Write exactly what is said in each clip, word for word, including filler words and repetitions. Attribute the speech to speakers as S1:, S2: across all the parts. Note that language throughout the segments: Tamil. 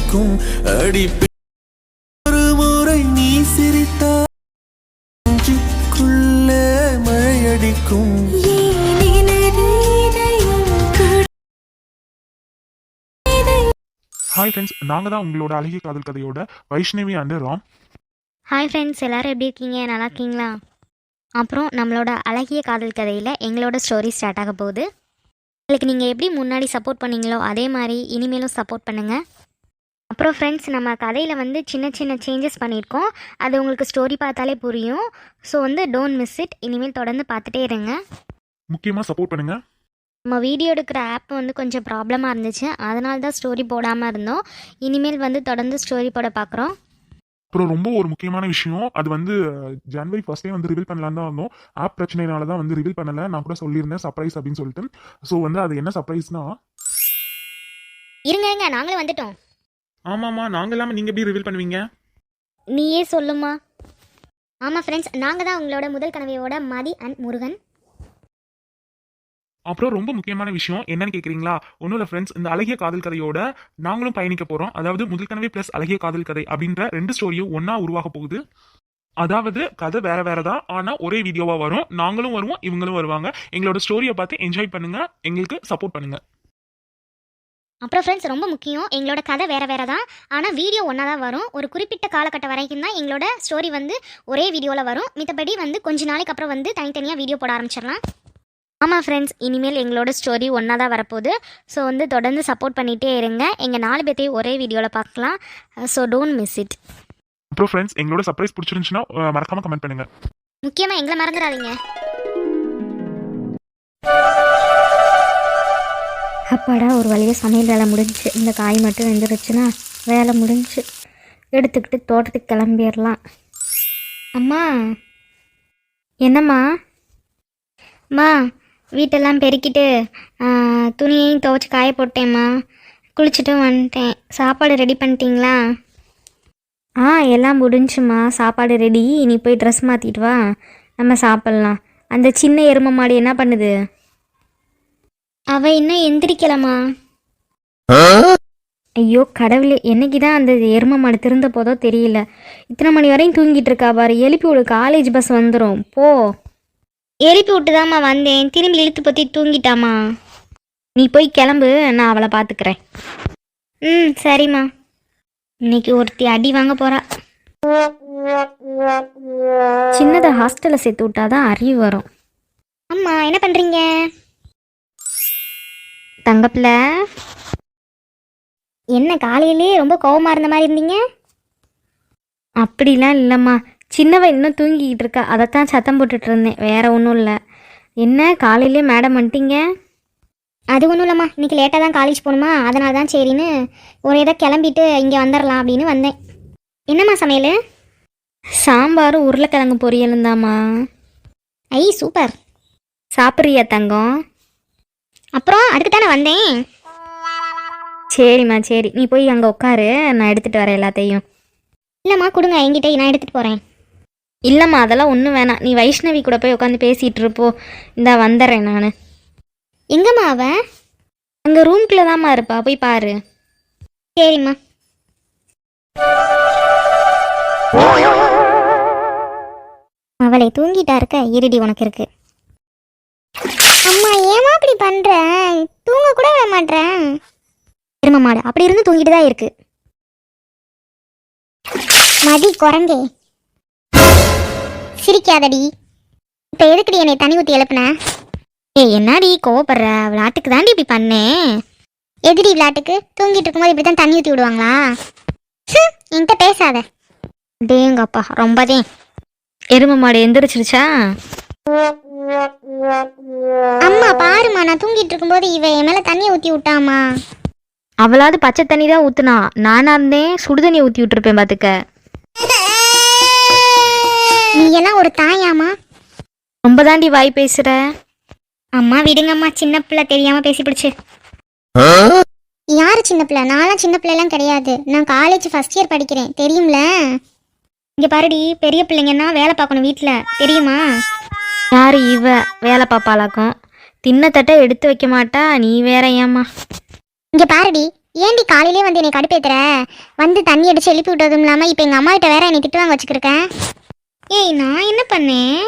S1: அடிக்கும் அடி ஒரு முறை நீ சிரித்தால் நெஞ்சுக்குள்ளே மழையடிக்கும்.
S2: ஹாய் ஃப்ரெண்ட்ஸ், நாங்கள் தான் உங்களோட அழகிய காதல் கதையோட Vaishnavi and Ram.
S3: Hi friends, எல்லோரும் எப்படி இருக்கீங்க? நல்லா இருக்கீங்களா? அப்புறம் நம்மளோட அழகிய காதல் கதையில் எங்களோட ஸ்டோரி ஸ்டார்ட் ஆக போகுது. உங்களுக்கு நீங்கள் எப்படி முன்னாடி சப்போர்ட் பண்ணீங்களோ அதே மாதிரி இனிமேலும் சப்போர்ட் பண்ணுங்கள். அப்புறம் ஃப்ரெண்ட்ஸ், நம்ம கதையில் வந்து சின்ன சின்ன சேஞ்சஸ் பண்ணியிருக்கோம். அது உங்களுக்கு ஸ்டோரி பார்த்தாலே புரியும். ஸோ வந்து டோன்ட் மிஸ் இட். இனிமேல் தொடர்ந்து பார்த்துட்டே இருங்க.
S2: முக்கியமாக சப்போர்ட் பண்ணுங்கள்.
S3: நம்ம வீடியோ எடுக்கிற ஆப் வந்து கொஞ்சம் ப்ராப்ளமாக இருந்துச்சு, அதனால தான் ஸ்டோரி போடாமல் இருந்தோம். இனிமேல் வந்து தொடர்ந்து ஸ்டோரி போட பார்க்குறோம்.
S2: அப்புறம் ரொம்ப ஒரு முக்கியமான விஷயம், அது வந்து ஜனவரி ஃபர்ஸ்டே வந்து ரிவீல் பண்ணலான்னு தான் இருந்தோம். ஆப் பிரச்சனைனால தான் வந்து ரிவீல் பண்ணலை. நான் கூட சொல்லியிருந்தேன் சர்ப்ரைஸ் அப்படின்னு சொல்லிட்டு. ஸோ வந்து அது என்ன சர்ப்ரைஸ்னா,
S3: இருங்க இருங்க நாங்களே வந்துட்டோம்.
S2: ஆமாம்மா, நாங்கள் இல்லாமல் நீங்கள் எப்படி ரிவீல் பண்ணுவீங்க?
S3: நீயே சொல்லுமா. ஆமாம் ஃப்ரெண்ட்ஸ், நாங்கள் தான் உங்களோட முதல் கனவையோட மதி அண்ட் முருகன்.
S2: அப்புறம் ரொம்ப முக்கியமான விஷயம் என்னன்னு கேட்குறீங்களா? ஒன்றும் இல்லை ஃப்ரெண்ட்ஸ், இந்த அழகிய காதல் கதையோட நாங்களும் பயணிக்க போகிறோம். அதாவது முதல் கனவே ப்ளஸ் அழகிய காதல் கதை அப்படின்ற ரெண்டு ஸ்டோரியும் ஒன்றா உருவாக போகுது. அதாவது கதை வேற வேற தான், ஆனால் ஒரே வீடியோவாக வரும். நாங்களும் வருவோம், இவங்களும் வருவாங்க. எங்களோட ஸ்டோரியை பார்த்து என்ஜாய் பண்ணுங்க, எங்களுக்கு சப்போர்ட் பண்ணுங்க.
S3: அப்புறம் ஃப்ரெண்ட்ஸ், ரொம்ப முக்கியம், எங்களோட கதை வேறு வேறு தான், ஆனால் வீடியோ ஒன்றா தான் வரும். ஒரு குறிப்பிட்ட காலகட்டம் வரைக்கும் தான் எங்களோட ஸ்டோரி வந்து ஒரே வீடியோவில் வரும். மித்தபடி வந்து கொஞ்ச நாளைக்கு அப்புறம் வந்து தனித்தனியாக வீடியோ போட ஆரம்பிச்சிடலாம். ஆமாம் ஃப்ரெண்ட்ஸ், இனிமேல் எங்களோட ஸ்டோரி ஒன்றா தான் வரப்போகுது. ஸோ வந்து தொடர்ந்து சப்போர்ட் பண்ணிகிட்டே இருங்க. எங்கள் நாலு பேர்த்தையும் ஒரே வீடியோவில் பார்க்கலாம். So don't miss it.
S2: அப்புறம் ஃப்ரெண்ட்ஸ், எங்களோட சர்ப்ரைஸ் பிடிச்சிருந்துச்சுன்னா மறக்காமல் கமெண்ட் பண்ணுங்கள்.
S3: முக்கியமாக எங்களை மறந்துடாதீங்க. அப்பாடா, ஒரு வழியாக சமையல் வேலை முடிஞ்சிச்சு. இந்த காய் மட்டும் வெந்துருச்சுன்னா வேலை முடிஞ்சு. எடுத்துக்கிட்டு தோட்டத்துக்கு கிளம்பிடலாம். அம்மா. என்னம்மா? அம்மா, வீட்டெல்லாம் பெருக்கிட்டு துணியையும் துவைச்சி காய போட்டேம்மா. குளிச்சுட்டு வந்துட்டேன். சாப்பாடு ரெடி பண்ணிட்டீங்களா? ஆ, எல்லாம் முடிஞ்சுமா. சாப்பாடு ரெடி. நீ போய் ட்ரெஸ் மாற்றிட்டு வா, நம்ம சாப்பிட்லாம். அந்த சின்ன எருமை மாடு என்ன பண்ணுது? அவள் இன்னும் எந்திரிக்கலம்மா. ஐயோ கடவுளே, என்னைக்கு தான் அந்த எருமை மாடு திருந்த போதோ தெரியல. இத்தனை மணி வரையும் தூங்கிட்டு இருக்கா பாரு. எழுப்பி விடு, காலேஜ் பஸ் வந்துடும். போ. எழுப்பி விட்டுதாம்மா வந்தேன், திரும்பி இழுத்து பற்றி தூங்கிட்டாமா. நீ போய் கிளம்பு, நான் அவளை பார்த்துக்கிறேன். ம் சரிம்மா. இன்னைக்கு ஒருத்தி அடி வாங்க போகிறா. சின்னதை ஹாஸ்டலில் சேர்த்து விட்டாதான் அறிவு வரும். அம்மா என்ன பண்ணுறீங்க? தங்கப்பில், என்ன காலையிலே ரொம்ப கோவமாக இருந்த மாதிரி இருந்தீங்க? அப்படிலாம் இல்லைம்மா, சின்னவன் இன்னும் தூங்கிக்கிட்டு இருக்கா, அதைத்தான் சத்தம் போட்டுட்டு இருந்தேன். வேற ஒன்றும் இல்லை. என்ன காலையிலே மேடம் வந்துட்டீங்க? அது ஒன்றும் இல்லைம்மா, இன்றைக்கி லேட்டாக தான் காலேஜ் போகணுமா, அதனால தான் சரின்னு ஒரு இதை கிளம்பிட்டு இங்கே வந்துடலாம் அப்படின்னு வந்தேன். என்னம்மா சமையல்? சாம்பாரும் உருளைக்கிழங்கு பொரியலும் தாம்மா. ஐ சூப்பர். சாப்பிட்றியா தங்கம்? அப்புறம் அதுக்கு தானே வந்தேன். சரிம்மா சரி, நீ போய் அங்கே உட்காரு, நான் எடுத்துகிட்டு வரேன் எல்லாத்தையும். இல்லைம்மா கொடுங்க என்கிட்ட, நான் எடுத்துகிட்டு போகிறேன். இல்லைம்மா அதெல்லாம் ஒன்றும் வேணாம், நீ வைஷ்ணவி கூட போய் உட்காந்து பேசிகிட்டு இருப்போ. இந்தா வந்துடுறேன் நான். எங்கம்மா அவ? அங்கே ரூம்குள்ளே தான்மா இருப்பா, போய் பாரு. சரிம்மா. அவளை தூங்கிட்டா இருக்க, இருடி உனக்கு இருக்கு. அம்மா ஏமா அப்படி பண்ற? தூங்க கூட விட மாட்டேன். எருமை மாடு அப்படி இருந்து தூங்கிட்டு தான் இருக்கு. மதி குரங்கே, சிரிக்காதடி. இப்போ எதுக்குடி என்னை தண்ணி ஊற்றி எழுப்புன? ஏ என்னடி கோவப்படுற? விளையாட்டுக்கு தாண்டி இப்படி பண்ணேன். எதிரி விளையாட்டுக்கு? தூங்கிட்டு இருக்கும்போது இப்படி தான் தண்ணி ஊற்றி விடுவாங்களா? என்கிட்ட பேசாத. டேங்கப்பா ரொம்பதே. எருமை மாடு எந்திரிச்சிருச்சா? அம்மா பாருமா, நான் தூங்கிட்டு இருக்கும்போது இவ என் மேலே தண்ணியை ஊற்றி விட்டாமா. அவளாவது பச்சை தண்ணி தான் ஊற்றுனா, நானாக இருந்தேன் சுடுதண்ணியை ஊற்றி விட்டுருப்பேன் பார்த்துக்க. நீ எல்லாம் ஒரு தாயாமா? ரொம்ப தாண்டி வாய் பேசுற. அம்மா விடுங்கம்மா, சின்ன பிள்ளை தெரியாம பேசி பிடிச்சு. யாரு சின்ன பிள்ளை? நான்லாம் சின்ன பிள்ளைலாம் கிடையாது. நான் காலேஜ் ஃபர்ஸ்ட் இயர் படிக்கிறேன், தெரியும்ல. இங்க பாருடி, பெரிய பிள்ளைங்கன்னா வேலை பார்க்கணும் வீட்டில், தெரியுமா? யாரு இவ வேலை பாப்பாளாக்கும்? தின்ன தட்டை எடுத்து வைக்க மாட்டா, நீ வேற ஏம்மா? இங்க பாருடி,
S4: ஏண்டி காலையிலே வந்து என்னை கடுப்பேத்துற? வந்து தண்ணி அடிச்சு எழுப்பி விட்டதும் இல்லாமல் இப்போ எங்கள் அம்மா கிட்ட வேற என்னை திட்டு வாங்க வச்சுக்கிருக்கேன். ஏய், நான் என்ன பண்ணேன்?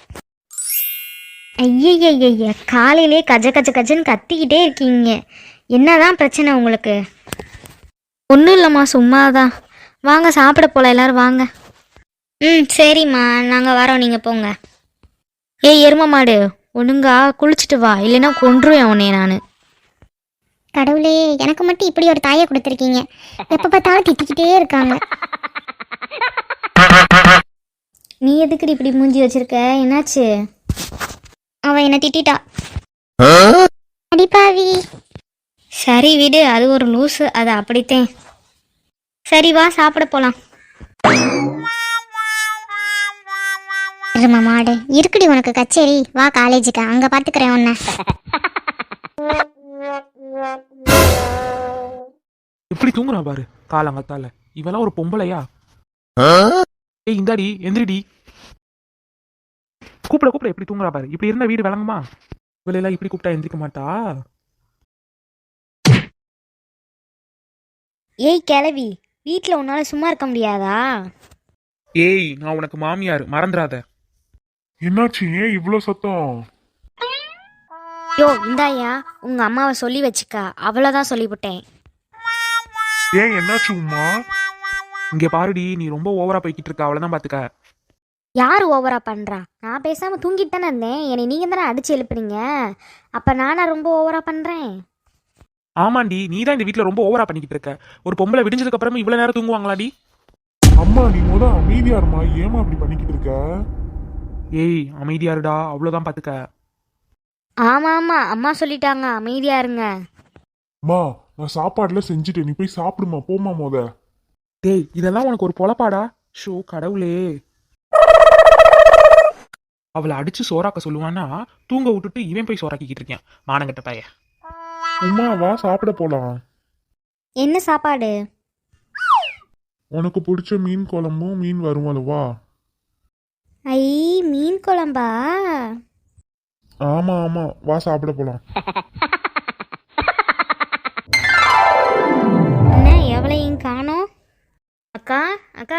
S4: ஐயய்யய்ய, காலையிலே கஜ கஜ கஜன்னு கத்திக்கிட்டே இருக்கீங்க. என்னதான் பிரச்சனை உங்களுக்கு?
S3: ஒன்றும் இல்லைம்மா, சும்மா தான். வாங்க சாப்பிட போகலாம், எல்லோரும் வாங்க.
S4: ம், சரிம்மா, நாங்கள் வரோம், நீங்கள் போங்க.
S3: ஏய் எரும மாடு, ஒழுங்கா குளிச்சுட்டு வா, இல்லைன்னா கொன்றுவேன் உன்னைய நான்.
S4: கடவுளே, எனக்கு மட்டும் இப்படி ஒரு தாயை கொடுத்துருக்கீங்க. எப்போ பார்த்தாலும் திட்டிக்கிட்டே இருக்காங்க.
S3: நீ எதுக்குடி இப்படி மூஞ்சி வச்சிருக்க? என்னாச்சு?
S4: அவ என்ன திட்டிட்டா. அடிப்பாவி.
S3: சரி விடு, அது ஒரு லூஸு, அது அப்படித்தேன். சரி வா சாப்பிட போகலாம்.
S4: இருமா மாடு, இருக்குடி உனக்கு கச்சேரி. வா காலேஜுக்கு, அங்கே பார்த்துக்கிறேன் உன்னை.
S2: எப்படி தூங்குறா பாரு காலங்கத்தால. இவெல்லாம் ஒரு பொம்பளையா? ஏய் இந்தாடி எந்திரிடி. கூப்பிட கூப்பிட எப்படி தூங்குறா பாரு. இப்படி இருந்தா வீடு விளங்குமா? இவளெல்லாம் இப்படி கூப்பிட்டா எந்திரிக்க மாட்டா.
S3: ஏய் கிளவி, வீட்டில் உன்னால சும்மா இருக்க முடியாதா?
S2: ஏய், நான் உனக்கு மாமியார், மறந்துடாத.
S5: என்னாச்சு? ஏன் இவ்வளோ சத்தம்?
S3: யோ இந்தாயா, உங்க அம்மாவை சொல்லி வச்சுக்கா, அவ்வளோதான் சொல்லிவிட்டேன்.
S5: ஏன் என்னாச்சு உமா?
S2: இங்க பாருடி, நீ ரொம்ப ஓவரா போய்கிட்டு இருக்க, அவ்வளவுதான் பாத்துக்க.
S3: யார் ஓவரா பண்றா? நான் பேசாம தூங்கிட்டு தானே இருந்தேன், என்னை நீங்க தானே அடிச்சு எழுப்புறீங்க. அப்ப நானா ரொம்ப ஓவரா பண்றேன்?
S2: ஆமாண்டி, நீ தான் இந்த வீட்டுல ரொம்ப ஓவரா பண்ணிக்கிட்டு இருக்க. ஒரு பொம்பளை விடிஞ்சதுக்கு அப்புறமா இவ்வளவு நேரம் தூங்குவாங்களாடி?
S5: அம்மா, நீ முத அமைதியா இருமா. ஏமா அப்படி பண்ணிக்கிட்டு இருக்க?
S2: ஏய் அமைதியா இருடா, அவ்வளவுதான் பாத்துக்க.
S3: ஆமா ஆமா, அம்மா சொல்லிட்டாங்க அமைதியா இருங்க.
S5: அம்மா, நான் சாப்பாடுல செஞ்சுட்டேன், நீ போய் சாப்பிடுமா. போமா முத.
S2: டேய், இதெல்லாம் உனக்கு ஒரு பொழப்பாடா? ஷோ கடவுளே. அவளை அடிச்சு சோறாக்க சொல்லுவான்னா தூங்க விட்டுட்டு இவன் போய் சோறாக்கிக்கிட்டு இருக்கேன், மானங்கட்ட பைய.
S5: உமா வா சாப்பிட போலாம்.
S3: என்ன சாப்பாடு?
S5: உனக்கு பிடிச்ச மீன் குழம்பும் மீன் வறுவலும். வா.
S3: ஐ, மீன் குழம்பா?
S5: ஆமா ஆமா, வா சாப்பிட போலாம்.
S3: என்ன எவ்வளையும் காணோம்? அக்கா அக்கா,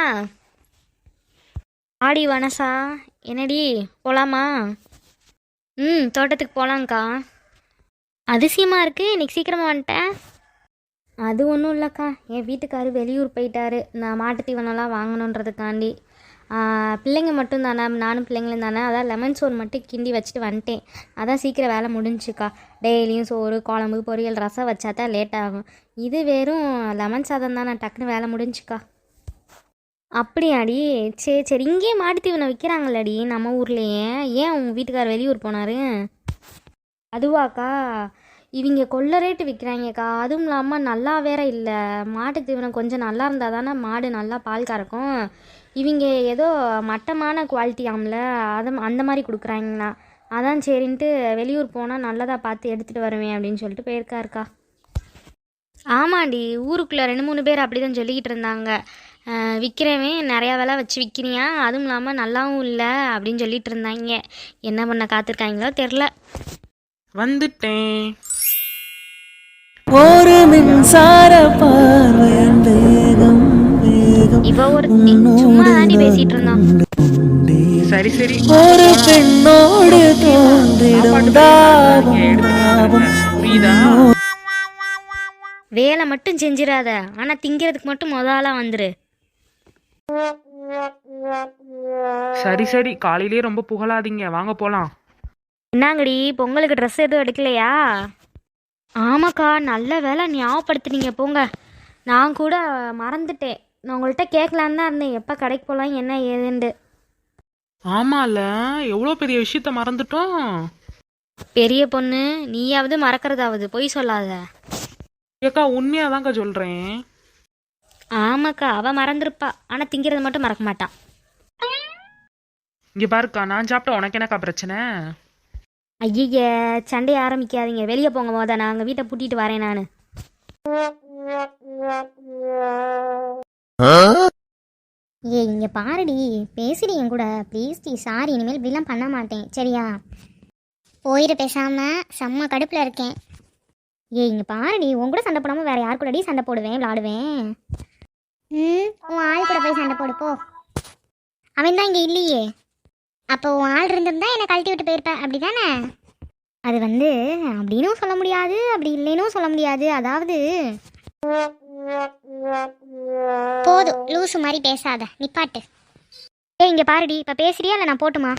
S3: ஆடி வனசா, என்னடி போலாமா? ம், தோட்டத்துக்கு போகலாங்க்கா. அதிசயமாக இருக்குது, இன்னைக்கு சீக்கிரமாக வந்துட்டேன். அது ஒன்றும் இல்லைக்கா, என் வீட்டுக்காரு வெளியூர் போயிட்டாரு, நான் மாட்டுத் தீவனம்லாம் வாங்கணுன்றதுக்காண்டி. பிள்ளைங்க மட்டும் தானே, நானும் பிள்ளைங்களும் தானே, அதான் லெமன் சோறு மட்டும் கிண்டி வச்சுட்டு வந்துட்டேன். அதான் சீக்கிரம் வேலை முடிஞ்சுக்கா. டெய்லியும் சோறு குழம்பு பொரியல் ரசம் வச்சா தான் லேட் ஆகும். இது வெறும் லெமன் சாதம் தான், நான் டக்குன்னு வேலை முடிஞ்சுக்கா. அப்படியாடி? சரி சரி, இங்கேயே மாட்டுத் தீவனம் விற்கிறாங்களடி நம்ம ஊர்லேயே. ஏன் உங்கள் வீட்டுக்கார் வெளியூர் போனார்? அதுவாக்கா, இவங்க கொள்ள ரேட்டு விற்கிறாங்கக்கா. அதுவும் இல்லாமல் நல்லா வேற இல்லை. மாட்டுத் தீவனம் கொஞ்சம் நல்லா இருந்தால் தானே மாடு நல்லா பால் கறக்கும். இவங்க ஏதோ மட்டமான குவாலிட்டியாம்ல, அதை அந்த மாதிரி கொடுக்குறாங்கண்ணா. அதான் சரின்ட்டு வெளியூர் போனால் நல்லதாக பார்த்து எடுத்துகிட்டு வருவேன் அப்படின்னு சொல்லிட்டு போயிருக்காருக்கா. ஆமாண்டி, ஊருக்குள்ளே ரெண்டு மூணு பேர் அப்படி தான் சொல்லிக்கிட்டு இருந்தாங்க. விற்கிறவன் நிறையா விலை வச்சு விற்கிறியா, அதுவும் இல்லாமல் நல்லாவும் இல்லை அப்படின்னு சொல்லிட்டு இருந்தாங்க. என்ன பண்ண காத்திருக்காங்களோ தெரில.
S2: வந்துட்டேன்.
S1: ஒரு மின்சார பார்வையின் வேகம் வேகம்
S3: இவ ஒரு சும்மா தாண்டி பேசிட்டு இருந்தான்.
S2: சரி சரி,
S1: ஒரு பெண்ணோடு தோன்றிடும் தாபம் தாபம்.
S2: புரியுதா?
S3: வேலை மட்டும் செஞ்சிடாத, ஆனால் திங்கிறதுக்கு மட்டும் முதலா வந்துரு.
S2: சரி சரி, காலையிலேயே ரொம்ப புகழாதீங்க, வாங்க போலாம்.
S3: என்னங்கடி, பொங்கலுக்கு ட்ரெஸ் எதுவும் எடுக்கலையா? ஆமாக்கா, நல்ல வேலை ஞாபகப்படுத்துனீங்க போங்க. நான் கூட மறந்துட்டேன், நான் உங்கள்கிட்ட கேட்கலான்னு தான் இருந்தேன், எப்போ கடைக்கு போகலாம் என்ன ஏதுண்டு.
S2: ஆமால, எவ்வளோ பெரிய விஷயத்த மறந்துட்டோம்.
S3: பெரிய பொண்ணு, நீயாவது மறக்கிறதாவது, பொய் சொல்லாத.
S2: ஏக்கா உண்மையாதான்க்கா சொல்றேன்.
S3: ஆமாக்கா, அவ மறந்துருப்பா, ஆனால் திங்கிறது மட்டும் மறக்க மாட்டான்.
S2: இங்க பாருக்கா, நான் சாப்பிட்ட உனக்கு என்னக்கா பிரச்சனை?
S3: ஐய, சண்டையை ஆரம்பிக்காதீங்க, வெளியே போங்க போத, நான் அங்கே வீட்டை பூட்டிட்டு வரேன் நான்.
S4: ஏ இங்கே பாருடி, பேசுடி என் கூட ப்ளீஸ் டி. சாரி, இனிமேல் இப்படிலாம் பண்ண மாட்டேன் சரியா? போயிரு பேசாமல், செம்ம கடுப்பில் இருக்கேன். ஏய் இங்கே பாரு, நீ உன் கூட சண்டை போடாமல் வேற யார் கூடடி சண்டை போடுவேன் விளாடுவேன்? ம் உன் ஆள் கூட போய் சண்டை போடு போ. அவன் தான் இங்கே இல்லையே. அப்போ உன் ஆள் இருந்திருந்தா என்னை கழட்டி விட்டு போயிருப்பேன் அப்படி தானே? அது வந்து அப்படின்னும் சொல்ல முடியாது, அப்படி இல்லைன்னும் சொல்ல முடியாது. அதாவது போதும், லூசு மாதிரி பேசாத, நிப்பாட்டு. ஏய் இங்கே பாருடி, இப்போ பேசுறியா இல்லை நான் போட்டுமா?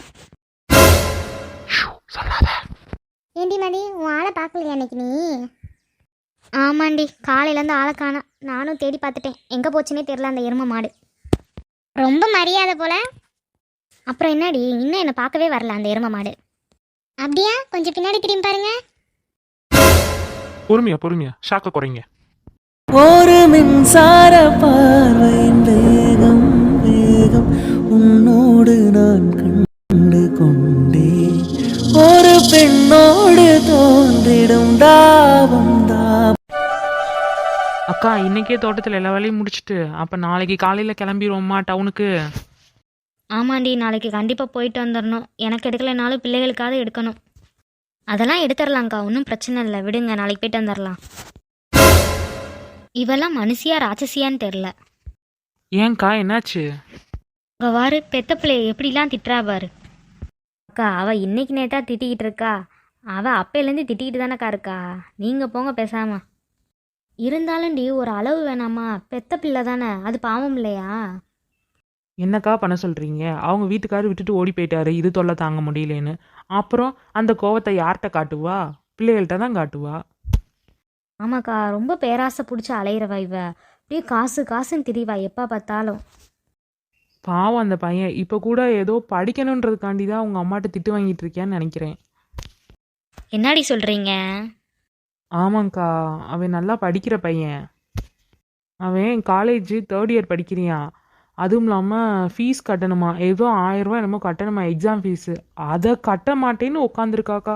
S4: ஏண்டி மதி, உன் ஆளை பார்க்கலையா அன்னைக்கு நீ? ஆமாண்டி, காலையிலேருந்து ஆளை காணோம். நானும் தேடி பார்த்துட்டேன், எங்கே போச்சுன்னே தெரில அந்த எருமை மாடு. ரொம்ப மரியாதை போல. அப்புறம் என்னடி, இன்னும் என்னை பார்க்கவே வரல அந்த எருமை மாடு. அப்படியா? கொஞ்சம் பின்னாடி திரும்பி பாருங்க.
S2: பொறுமையா பொறுமையா, ஷாக்க குறைங்க.
S1: ஒரு மின்சார பார்வையின் வேகம் வேகம் உன்னோடு நான் கண்டு கொண்டேன். ஒரு பெண்ணோடு தோன்றிடும் தாபம் தாபம்.
S6: அக்கா இன்னைக்கே தோட்டத்தில் எல்லா வேலையும் முடிச்சுட்டு அப்போ நாளைக்கு காலையில் கிளம்பிடுவோம்மா டவுனுக்கு.
S3: ஆமாண்டி, நாளைக்கு கண்டிப்பாக போயிட்டு வந்துடணும். எனக்கு எடுக்கலைனாலும் பிள்ளைகளுக்காவது எடுக்கணும். அதெல்லாம் எடுத்துடலாங்க்கா, ஒன்றும் பிரச்சனை இல்லை, விடுங்க, நாளைக்கு போயிட்டு வந்துடலாம். இவெல்லாம் மனுஷியா ராட்சசியான்னு தெரில.
S6: ஏன்க்கா என்னாச்சு?
S3: இங்கே வாரு, பெத்த பிள்ளைய எப்படிலாம் திட்டுறா பாரு. அக்கா அவள் இன்னைக்கு நேத்தா திட்டிக்கிட்டு இருக்கா. அவள் அப்பையிலேருந்து திட்டிக்கிட்டு தானேக்கா இருக்கா. நீங்கள் போங்க பேசாம. இருந்தாலும் டி ஒரு அளவு வேணாமா? பெத்த பிள்ளை தானே, அது பாவம் இல்லையா?
S6: என்னக்கா பண்ண சொல்கிறீங்க? அவங்க வீட்டுக்காரர் விட்டுட்டு ஓடி போயிட்டாரு, இது தொல்லை தாங்க முடியலேன்னு. அப்புறம் அந்த கோவத்தை யார்கிட்ட காட்டுவா? பிள்ளைகள்கிட்ட தான் காட்டுவா.
S3: ஆமாக்கா, ரொம்ப பேராசை பிடிச்சி அலையிறவா இவ. அப்படியே காசு காசுன்னு திரிவா எப்போ பார்த்தாலும்.
S6: பாவம் அந்த பையன். இப்போ கூட ஏதோ படிக்கணுன்றதுக்காண்டி தான் உங்கள் அம்மாட்ட திட்டு வாங்கிட்டு இருக்கியான்னு நினைக்கிறேன்.
S3: என்னடி சொல்கிறீங்க?
S6: ஆமாங்க்கா, அவன் நல்லா படிக்கிற பையன். அவன் காலேஜ் தேர்ட் இயர் படிக்கிறியான். அதுவும் இல்லாமல் ஃபீஸ் கட்டணுமா, ஏதோ ஆயிரம் ரூபா என்னமோ கட்டணுமா எக்ஸாம் ஃபீஸு. அதை கட்ட மாட்டேன்னு உட்காந்துருக்காக்கா.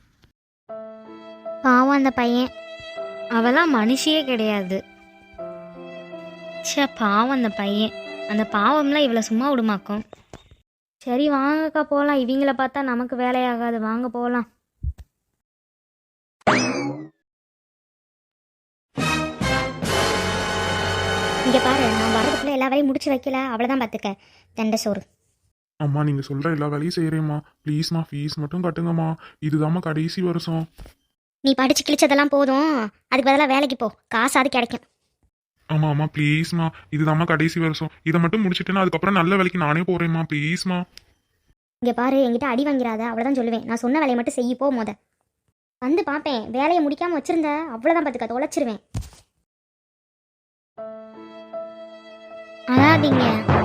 S3: பாவம் அந்த பையன். அவெல்லாம் மனுஷியே கிடையாது. சே பாவம் அந்த பையன். அந்த பாவம்லாம் இவளை சும்மா விடுமாக்கும். சரி வாங்கக்கா போகலாம். இவங்கள பார்த்தா நமக்கு வேலையாகாது, வாங்க போகலாம்.
S4: இங்கே பாரு, நான் வரதுக்குள்ளே எல்லா வேலையும் முடிச்சு வைக்கல, அவ்வளோதான் பார்த்துக்க. தண்டை சோறு.
S5: அம்மா நீங்க சொல்ற எல்லா வேலையும் செய்யறேம்மா. ப்ளீஸ்மா ஃபீஸ் மட்டும் கட்டுங்கம்மா. இதுதாம்மா கடைசி வருஷம்.
S4: நீ படிச்சு கிழிச்சதெல்லாம் போதும், அதுக்கு பதிலாக வேலைக்கு போ, காசாவது கிடைக்கும்.
S5: ஆமா அம்மா ப்ளீஸ்மா, இதுதாம்மா கடைசி வருஷம். இதை மட்டும் முடிச்சிட்டேன்னா அதுக்கப்புறம் நல்ல வேலைக்கு நானே போறேம்மா. ப்ளீஸ்மா.
S4: இங்கே பாரு, என்கிட்ட அடி வாங்கிறாத, அவ்வளோதான் சொல்லுவேன். நான் சொன்ன வேலையை மட்டும் செய்ய போ. மொத வந்து பார்ப்பேன், வேலையை முடிக்காமல் வச்சிருந்த அவ்வளோதான் பார்த்துக்க, தொலைச்சிருவேன்.
S3: அழாதீங்க.